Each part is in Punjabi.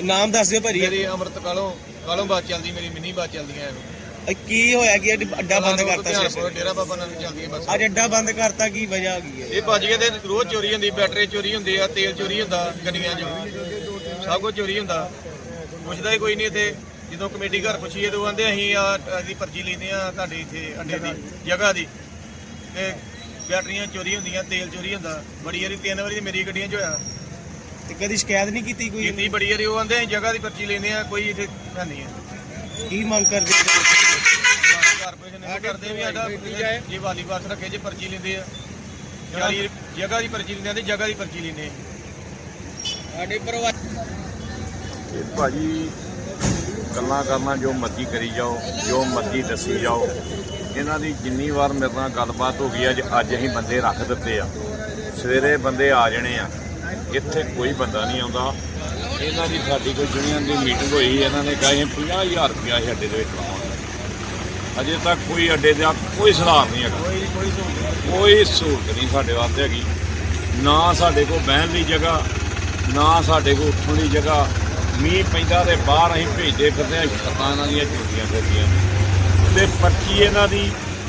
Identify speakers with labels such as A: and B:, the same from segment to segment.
A: ਨਾਮ ਦੱਸ ਦਿਓ ਭਾਜੀ।
B: ਮੇਰੀ ਅੰਮ੍ਰਿਤ ਕਾਲੋਂ ਬੱਸ ਚੱਲਦੀ, ਮੇਰੀ ਮਿੰਨੀ ਬੱਸ ਚੱਲਦੀਆਂ
A: ਕੀ ਹੋਇਆ ਕਿ ਅੱਡਾ ਬੰਦ ਕਰਤਾ?
B: ਡੇਰਾ ਬਾਬਾ ਨਾਨਕ ਚੱਲਦੀ ਬੱਸ।
A: ਅੱਜ ਅੱਡਾ ਬੰਦ ਕਰਤਾ, ਕੀ ਵਜ੍ਹਾ ਕੀ ਹੈ?
B: ਇਹ ਭੱਜ ਗਏ ਤੇ ਰੋਜ਼ ਚੋਰੀ ਹੁੰਦੀ, ਬੈਟਰੀ ਚੋਰੀ ਹੁੰਦੀ ਆ, ਤੇਲ ਚੋਰੀ ਹੁੰਦਾ ਗੱਡੀਆਂ 'ਚ, ਸਭ ਕੁਝ ਚੋਰੀ ਹੁੰਦਾ। ਪੁੱਛਦਾ ਹੀ ਕੋਈ ਨਹੀਂ ਇੱਥੇ। ਜਦੋਂ ਕਮੇਟੀ ਘਰ ਪੁੱਛੀਏ ਤਾਂ ਆਂਦੇ ਅਸੀਂ ਅਸੀਂ ਪਰਚੀ ਲੈਂਦੇ ਆ ਤੁਹਾਡੇ ਇੱਥੇ ਅੱਡੇ ਦੀ ਜਗ੍ਹਾ ਦੀ, ਤੇ ਬੈਟਰੀਆਂ ਚੋਰੀ ਹੁੰਦੀਆਂ, ਤੇਲ ਚੋਰੀ ਹੁੰਦਾ। ਬੜੀ ਵਾਰੀ 3 ਵਾਰੀ ਮੇਰੀ ਗੱਡੀਆਂ 'ਚ ਹੋਇਆ।
A: ਤੇ ਕਦੀ ਸ਼ਿਕਾਇਤ ਨਹੀਂ ਕੀਤੀ ਕੋਈ?
B: ਕੀਤੀ ਬੜੀ ਵਾਰੀ। ਉਹ ਆਂਦੇ ਅਸੀਂ ਜਗ੍ਹਾ ਦੀ ਪਰਚੀ ਲੈਂਦੇ ਆ, ਕੋਈ ਇੱਥੇ ਹੈ ਨਹੀਂ ਹੈ।
A: ਕੀ ਮੰਗ ਕਰਦੇ?
B: ਕਾਰਪੋਰੇਸ਼ਨ ਇਹ ਕਰਦੇ ਵੀ ਸਾਡਾ ਜੇ ਵਾਲੀ ਬੱਸ ਰੱਖੇ, ਜੇ ਪਰਚੀ ਲੈਂਦੇ ਆ, ਜਗ੍ਹਾ ਦੀ ਪਰਚੀ ਲੈਂਦੇ ਆ, ਤੇ ਜਗ੍ਹਾ ਦੀ ਪਰਚੀ ਲੈਂਦੇ
A: ਸਾਡੇ ਪਰਿਵਾਰ
C: ਭਾਜੀ ਗੱਲਾਂ ਕਰਨਾ ਜੋ ਮਰਜ਼ੀ ਕਰੀ ਜਾਓ, ਜੋ ਮਰਜ਼ੀ ਦੱਸੀ ਜਾਓ। ਇਹਨਾਂ ਦੀ ਜਿੰਨੀ ਵਾਰ ਮੇਰੇ ਨਾਲ ਗੱਲਬਾਤ ਹੋ ਗਈ ਅੱਜ ਅਸੀਂ ਬੰਦੇ ਰੱਖ ਦਿੱਤੇ ਆ। ਸਵੇਰੇ ਬੰਦੇ ਆ ਜਾਣੇ ਆ, ਇੱਥੇ ਕੋਈ ਬੰਦਾ ਨਹੀਂ ਆਉਂਦਾ। ਇਹਨਾਂ ਦੀ ਸਾਡੀ ਕੋਈ ਯੂਨੀਅਨ ਦੀ ਮੀਟਿੰਗ ਹੋਈ, ਇਹਨਾਂ ਨੇ ਕਿਹਾ ਅਸੀਂ 50,000 ਰੁਪਇਆ ਅਸੀਂ ਅੱਡੇ ਦੇ ਵਿੱਚ ਲਾਵਾਂਗੇ। ਅਜੇ ਤੱਕ ਕੋਈ ਅੱਡੇ ਦਾ ਕੋਈ ਸੁਧਾਰ ਨਹੀਂ ਹੈਗਾ, ਕੋਈ ਸਹੂਲਤ ਨਹੀਂ ਸਾਡੇ ਵਾਸਤੇ ਹੈਗੀ। ਨਾ ਸਾਡੇ ਕੋਲ ਬਹਿਣ ਦੀ ਜਗ੍ਹਾ, ਨਾ ਸਾਡੇ ਕੋਲ ਉੱਠਣ ਦੀ ਜਗ੍ਹਾ। ਮੀਂਹ ਪੈਂਦਾ ਤੇ ਬਾਹਰ ਅਸੀਂ ਭੇਜਦੇ ਫਿਰਦੇ ਹਾਂ, ਛੱਤਾਂ ਇਹਨਾਂ ਦੀਆਂ ਝੁੱਟੀਆਂ ਫਿਰਦੀਆਂ ਤੇ ਪਰਚੀ ਇਹਨਾਂ ਦੀ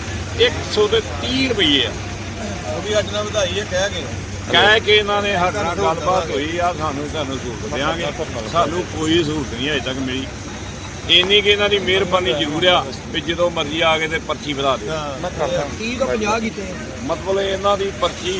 C: 130 ਰੁਪਏ ਆ।
B: ਉਹ ਵੀ ਅੱਜ ਨਾਲ ਵਧਾਈ ਹੈ
C: ਕਹਿ ਕੇ ਇਹਨਾਂ ਨੇ ਸਾਡੇ ਨਾਲ ਗੱਲਬਾਤ ਹੋਈ ਆ, ਤੁਹਾਨੂੰ ਸਹੂਲਤ ਦੇਵਾਂਗੇ। ਸਾਨੂੰ ਕੋਈ ਸਹੂਲਤ ਨਹੀਂ ਅਜੇ ਤੱਕ ਮਿਲੀ। ਇੰਨੀ ਕਿ ਇਹਨਾਂ ਦੀ ਮਿਹਰਬਾਨੀ ਜ਼ਰੂਰ ਆ ਵੀ ਜਦੋਂ ਮਰਜ਼ੀ ਆ ਕੇ ਤੇ ਪਰਚੀ ਵਧਾ ਦਿਓ।
A: 30 ਤੋਂ 50 ਕੀਤੇ
C: ਮਤਲਬ ਇਹਨਾਂ ਦੀ ਪਰਚੀ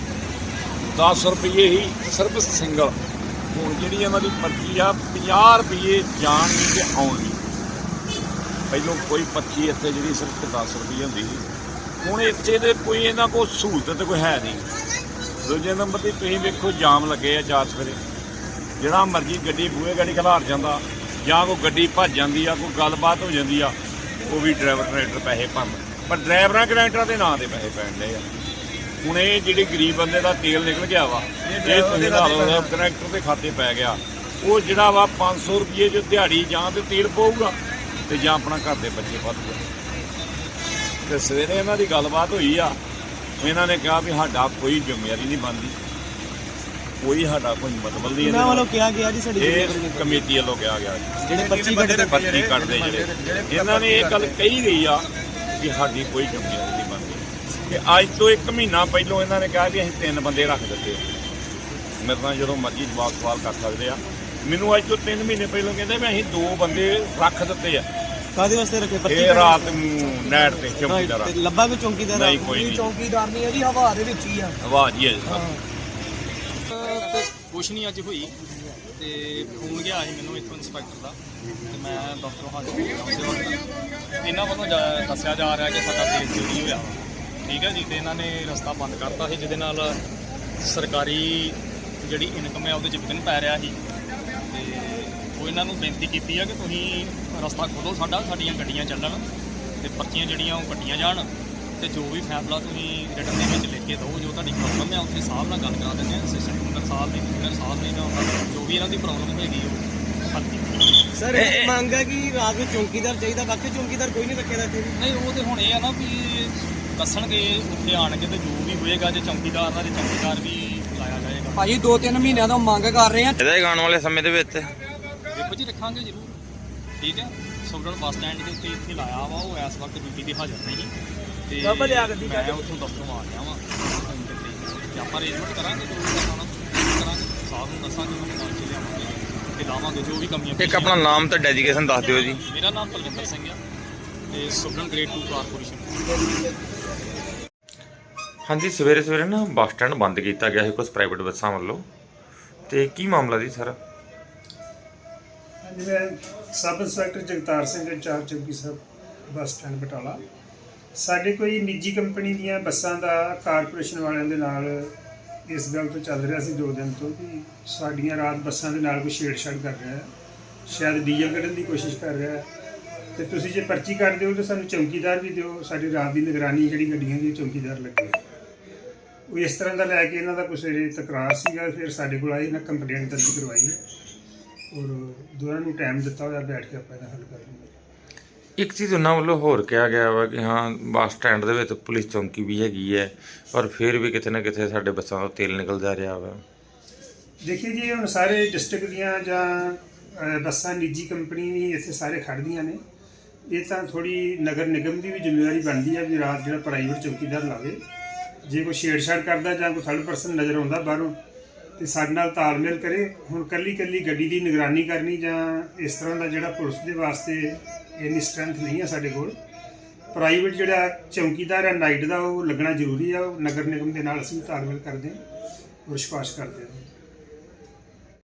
C: 10 ਰੁਪਏ ਹੀ ਸਿਰਫ ਸਿੰਗਲ। ਹੁਣ ਜਿਹੜੀ ਇਹਨਾਂ ਦੀ ਪਰਚੀ ਆ 50 ਰੁਪਏ ਜਾਣ ਦੀ ਤੇ ਆਉਣ ਦੀ। ਪਹਿਲੋਂ ਕੋਈ ਪਰਚੀ ਇੱਥੇ ਜਿਹੜੀ ਸਿਰਫ 10 ਰੁਪਏ ਹੁੰਦੀ ਸੀ, ਹੁਣ ਇੱਥੇ ਤੇ ਕੋਈ ਇਹਨਾਂ ਕੋਲ ਸਹੂਲਤ ਤੇ ਕੋਈ ਹੈ ਨਹੀਂ। ਦੂਜੇ ਨੰਬਰ 'ਤੇ ਤੁਸੀਂ ਵੇਖੋ ਜਾਮ ਲੱਗੇ ਆ 4 ਸਵੇਰੇ। ਜਿਹੜਾ ਮਰਜ਼ੀ ਗੱਡੀ ਬੂਹੇ ਗਾੜੀ ਖਿਲਾਰ ਜਾਂਦਾ, ਜਾਂ ਕੋਈ ਗੱਡੀ ਭੱਜ ਜਾਂਦੀ ਆ, ਕੋਈ ਗੱਲਬਾਤ ਹੋ ਜਾਂਦੀ ਆ, ਉਹ ਵੀ ਡਰਾਈਵਰ ਕਨੈਕਟਰ ਪੈਸੇ ਭਰਨ। ਪਰ ਡਰਾਈਵਰਾਂ ਕਨੈਕਟਰਾਂ ਦੇ ਨਾਂ 'ਤੇ ਪੈਸੇ ਪੈਣ ਡਏ ਆ। ਹੁਣ ਇਹ ਜਿਹੜੀ ਗਰੀਬ ਬੰਦੇ ਦਾ ਤੇਲ ਨਿਕਲ ਗਿਆ ਵਾ, ਇਹ ਤੁਸੀਂ ਲਾ ਲਓ ਕਨੈਕਟਰ ਦੇ ਖਾਤੇ ਪੈ ਗਿਆ। ਉਹ ਜਿਹੜਾ ਵਾ 500 ਰੁਪਏ 'ਚ ਦਿਹਾੜੀ ਜਾਂ ਤੇ ਤੇਲ ਪਊਗਾ ਤੇ ਜਾਂ ਆਪਣਾ ਘਰ ਦੇ ਬੱਚੇ ਪਾਲੂਗਾ। ਤੇ ਸਵੇਰੇ ਇਹਨਾਂ ਦੀ ਗੱਲਬਾਤ ਹੋਈ ਆ, ਇਹਨਾਂ ਨੇ ਕਿਹਾ ਵੀ ਸਾਡਾ ਕੋਈ ਜ਼ਿੰਮੇਵਾਰੀ ਨਹੀਂ ਬਣਦੀ, ਕੋਈ ਸਾਡਾ ਕੋਈ ਮਤਲਬ ਨਹੀਂ।
A: ਇਹਨਾਂ ਵੱਲੋਂ ਕਿਹਾ ਗਿਆ ਜੀ ਸਾਡੀ
C: ਇਹ ਕਮੇਟੀ ਵੱਲੋਂ ਕਿਹਾ ਗਿਆ
A: ਜਿਹੜੇ ਪਰਚੀ
C: ਕੱਢਦੇ ਜਿਹੜੇ ਇਹਨਾਂ ਨੇ ਇਹ ਗੱਲ ਕਹੀ ਗਈ ਆ ਕਿ ਸਾਡੀ ਕੋਈ ਜ਼ਿੰਮੇਵਾਰੀ ਨਹੀਂ ਬਣਦੀ। ਕਿ ਅੱਜ ਤੋਂ 1 ਮਹੀਨਾ ਪਹਿਲਾਂ ਇਹਨਾਂ ਨੇ ਕਿਹਾ ਵੀ ਅਸੀਂ 3 ਬੰਦੇ ਰੱਖ ਦਿੱਤੇ। ਮੇਰੇ ਨਾਲ ਜਦੋਂ ਮਰਜ਼ੀ ਜਵਾਬ ਸਵਾਲ ਕਰ ਸਕਦੇ ਆ। ਮੈਨੂੰ ਅੱਜ ਤੋਂ 3 ਮਹੀਨੇ ਪਹਿਲਾਂ ਕਹਿੰਦੇ ਵੀ ਅਸੀਂ 2 ਬੰਦੇ ਰੱਖ ਦਿੱਤੇ ਆ।
A: ਕਾਹਦੇ ਵਾਸਤੇ ਰੱਖੇ?
C: ਇਹ ਰਾਤ ਨੂੰ ਨੈਟ ਤੇ ਚੌਕੀਦਾਰ
A: ਲੱਭਾ ਕੋਈ ਚੌਕੀਦਾਰ?
C: ਨਹੀਂ, ਕੋਈ ਨਹੀਂ
A: ਚੌਕੀਦਾਰ ਨਹੀਂ ਹੈ ਜੀ, ਹਵਾ ਦੇ ਵਿੱਚ ਹੀ ਆ।
C: ਹਵਾ ਜੀ ਹੈ
D: ਕੁਛ ਨਹੀਂ ਅੱਜ ਹੋਈ ਤੇ ਫੋਨ ਗਿਆ ਸੀ ਮੈਨੂੰ ਇੱਥੋਂ ਇੰਸਪੈਕਟਰ ਦਾ, ਤੇ ਮੈਂ ਦਫ਼ਤਰੋਂ ਹਾਜ਼ਰ। ਇਹਨਾਂ ਵੱਲੋਂ ਦੱਸਿਆ ਜਾ ਰਿਹਾ ਕਿ ਸਾਡਾ ਤੇਲ ਚੋਰੀ ਹੋਇਆ, ਠੀਕ ਹੈ ਜੀ। ਤੇ ਇਹਨਾਂ ਨੇ ਰਸਤਾ ਬੰਦ ਕਰਤਾ ਸੀ, ਜਿਹਦੇ ਨਾਲ ਸਰਕਾਰੀ ਜਿਹੜੀ ਇਨਕਮ ਹੈ ਉਹਦੇ 'ਚ ਵਿਘਨ ਪੈ ਰਿਹਾ ਸੀ। ਤੇ ਉਹ ਇਹਨਾਂ ਨੂੰ ਬੇਨਤੀ ਕੀਤੀ ਆ ਕਿ ਤੁਸੀਂ ਰਸਤਾ ਖੋਲ੍ਹੋ ਸਾਡੀਆਂ ਗੱਡੀਆਂ ਚੱਲਣ ਤੇ ਪਰਚੀਆਂ ਜਿਹੜੀਆਂ ਉਹ ਕੱਟੀਆਂ ਜਾਣ, ਤੇ ਜੋ ਵੀ ਫੈਸਲਾ ਤੁਸੀਂ ਰਿਟਨ ਦੇ ਵਿੱਚ ਲਿਖ ਕੇ ਦਿਓ, ਜੋ ਤੁਹਾਡੀ ਪ੍ਰੋਬਲਮ ਹੈ ਉੱਥੇ ਸਾਹਿਬ ਨਾਲ ਗੱਲ ਕਰਾ ਦਿੰਦੇ ਹਾਂ, ਅਸਿਸਟੈਂਟ ਕਮਿਸ਼ਨਰ ਸਾਹਿਬ ਨੇ, ਕਮਿਸ਼ਨਰ ਸਾਹਿਬ ਨੇ, ਜਾਂ ਜੋ ਵੀ ਇਹਨਾਂ ਦੀ ਪ੍ਰੋਬਲਮ ਹੈਗੀ ਉਹ ਹੱਲ ਕੀਤੀ।
A: ਸਰ ਇਹ ਮੰਗ ਹੈ ਕਿ ਰਾਤ ਨੂੰ ਚੌਕੀਦਾਰ ਚਾਹੀਦਾ, ਬਾਕੀ ਚੌਕੀਦਾਰ ਕੋਈ ਨਹੀਂ ਰੱਖਿਆ ਇੱਥੇ?
D: ਨਹੀਂ, ਉਹ ਤੇ ਹੁਣ ਇਹ ਆ ਨਾ ਵੀ ਦੱਸਣਗੇ ਉੱਥੇ ਆਣ ਕੇ, ਤੇ ਜੋ ਵੀ ਹੋਏਗਾ ਜੇ ਚੌਕੀਦਾਰ ਦਾ, ਜੇ ਚੌਕੀਦਾਰ ਵੀ ਲਾਇਆ ਜਾਏਗਾ।
A: ਭਾਜੀ 2-3 ਮਹੀਨਿਆਂ ਤੋਂ ਮੰਗ ਕਰ ਰਹੇ ਆ
E: ਇਹਦਾ ਆਉਣ ਵਾਲੇ ਸਮੇਂ ਦੇ ਵਿੱਚ
D: ਦੇਖੋ ਜੀ, ਰੱਖਾਂਗੇ ਜ਼ਰੂਰ, ਠੀਕ ਹੈ। ਸੁਖਗੜ੍ਹ ਬੱਸ ਸਟੈਂਡ ਦੇ ਉੱਤੇ ਇੱਥੇ ਲਾਇਆ ਵਾ, ਉਹ ਇਸ ਵਕਤ ਡਿਊਟੀ 'ਤੇ ਹਾਜ਼ਰ ਨਹੀਂ ਤੇ ਮੈਂ ਉੱਥੋਂ ਦਫ਼ਤਰੋਂ ਆ ਗਿਆ ਵਾਂ ਤੇ ਆਪਾਂ ਅਰੇਂਜਮੈਂਟ ਕਰਾਂਗੇ, ਜੋ ਵੀ ਕਰਨਾ ਕਰਾਂਗੇ, ਸਾਹਿਬ ਨੂੰ ਦੱਸਾਂਗੇ, ਉਹਨਾਂ ਨਾਲ ਚ ਲਿਆਵਾਂਗੇ ਤੇ ਲਾਵਾਂਗੇ ਜੋ ਵੀ ਕਮੀਆਂ।
E: ਇੱਕ ਆਪਣਾ ਨਾਮ ਤੇ ਡੈਡੀਕੇਸ਼ਨ ਦੱਸ ਦਿਓ ਜੀ।
D: ਮੇਰਾ ਨਾਮ ਪਲਵਿੰਦਰ ਸਿੰਘ ਆ ਤੇ ਸੁਖਗੜ੍ਹ ਗ੍ਰੇਡ 2 ਕਾਰਪੋਰੇਸ਼ਨ।
E: ਹਾਂਜੀ, ਸਵੇਰੇ ਨਾ ਬੱਸ ਸਟੈਂਡ ਬੰਦ ਕੀਤਾ ਗਿਆ ਸੀ ਕੁਝ ਪ੍ਰਾਈਵੇਟ ਬੱਸਾਂ ਵੱਲੋਂ, ਤੇ ਕੀ ਮਾਮਲਾ ਜੀ ਸਰ?
F: ਹਾਂਜੀ, ਮੈਂ sub inspector Jagtar Singh, incharge ਚੌਕੀ ਸਾਹਿਬ ਬੱਸ ਸਟੈਂਡ ਬਟਾਲਾ। ਸਾਡੇ ਕੋਈ ਨਿੱਜੀ ਕੰਪਨੀ ਦੀਆਂ ਬੱਸਾਂ ਦਾ ਕਾਰਪੋਰੇਸ਼ਨ ਵਾਲਿਆਂ ਦੇ ਨਾਲ ਇਸ ਗੱਲ ਤੋਂ ਚੱਲ ਰਿਹਾ ਸੀ 2 ਦਿਨ ਤੋਂ ਕਿ ਸਾਡੀਆਂ ਰਾਤ ਬੱਸਾਂ ਦੇ ਨਾਲ ਕੋਈ ਛੇੜਛਾੜ ਕਰ ਰਿਹਾ ਹੈ, ਸ਼ਾਇਦ ਡੀਜ਼ਲ ਕੱਢਣ ਦੀ ਕੋਸ਼ਿਸ਼ ਕਰ ਰਿਹਾ ਹੈ। ਤੇ ਤੁਸੀਂ ਜੇ ਪਰਚੀ ਕੱਢ ਦਿਓ ਤਾਂ ਸਾਨੂੰ ਚੌਕੀਦਾਰ ਵੀ ਦਿਓ, ਸਾਡੀ ਰਾਤ ਦੀ ਨਿਗਰਾਨੀ ਜਿਹੜੀ ਗੱਡੀਆਂ ਦੀ ਚੌਕੀਦਾਰ ਲੱਗੇ। ਉਹ ਇਸ ਤਰ੍ਹਾਂ ਦਾ ਲੈ ਕੇ ਇਹਨਾਂ ਦਾ ਕੁਛ ਤਕਰਾਰ ਸੀਗਾ। ਫਿਰ ਸਾਡੇ ਕੋਲ ਆਏ, ਇਹਨਾਂ ਕੰਪਲੇਂਟ ਦਰਜ ਕਰਵਾਈ ਔਰ ਦੋਨਾਂ ਨੂੰ ਟਾਈਮ ਦਿੱਤਾ ਹੋਇਆ, ਬੈਠ ਕੇ ਆਪਾਂ ਇਹਦਾ ਹੱਲ ਕਰ ਲਵਾਂਗੇ।
E: ਇੱਕ ਚੀਜ਼ ਉਹਨਾਂ ਵੱਲੋਂ ਹੋਰ ਕਿਹਾ ਗਿਆ ਵਾ ਕਿ ਹਾਂ ਬੱਸ ਸਟੈਂਡ ਦੇ ਵਿੱਚ ਪੁਲਿਸ ਚੌਂਕੀ ਵੀ ਹੈਗੀ ਹੈ, ਪਰ ਫਿਰ ਵੀ ਕਿਤੇ ਨਾ ਕਿਤੇ ਸਾਡੇ ਬੱਸਾਂ ਤੋਂ ਤੇਲ ਨਿਕਲ ਜਾ ਰਿਹਾ ਵਾ।
F: ਦੇਖੀਏ ਜੀ, ਹੁਣ ਸਾਰੇ ਡਿਸਟ੍ਰਿਕਟ ਦੀਆਂ ਜਾਂ ਬੱਸਾਂ ਨਿੱਜੀ ਕੰਪਨੀ ਵੀ ਇੱਥੇ ਸਾਰੇ ਖੜ੍ਹਦੀਆਂ ਨੇ। ਇਹ ਤਾਂ ਥੋੜੀ ਨਗਰ ਨਿਗਮ ਦੀ ਵੀ ਜ਼ਿੰਮੇਵਾਰੀ ਬਣਦੀ ਹੈ ਵੀ ਰਾਤ ਜਿਹੜਾ ਪ੍ਰਾਈਵੇਟ ਚੌਕੀਦਾਰ ਲਾਵੇ। ਜੇ ਕੋਈ ਛੇੜਛਾੜ ਕਰਦਾ ਜਾਂ ਕੋਈ ਥਰਡ ਪਰਸਨ ਨਜ਼ਰ ਆਉਂਦਾ ਬਾਹਰੋਂ ਤੇ ਸਾਡੇ ਨਾਲ ਤਾਲਮੇਲ ਕਰੇ। ਹੁਣ ਕੱਲੀ ਗੱਡੀ ਦੀ ਨਿਗਰਾਨੀ ਕਰਨੀ ਜਾਂ ਇਸ ਤਰ੍ਹਾਂ ਦਾ ਜਿਹੜਾ ਪੁਲਿਸ ਦੇ ਵਾਸਤੇ ਇੰਨੀ ਸਟਰੈਂਥ ਨਹੀਂ ਹੈ ਸਾਡੇ ਕੋਲ। ਪ੍ਰਾਈਵੇਟ ਜਿਹੜਾ ਚੌਕੀਦਾਰ ਹੈ ਨਾਈਟ ਦਾ ਉਹ ਲੱਗਣਾ ਜ਼ਰੂਰੀ ਆ। ਉਹ ਨਗਰ ਨਿਗਮ ਦੇ ਨਾਲ ਅਸੀਂ ਤਾਲਮੇਲ ਕਰਦੇ ਹਾਂ, ਵਿਸ਼ਵਾਸ ਕਰਦੇ ਹਾਂ।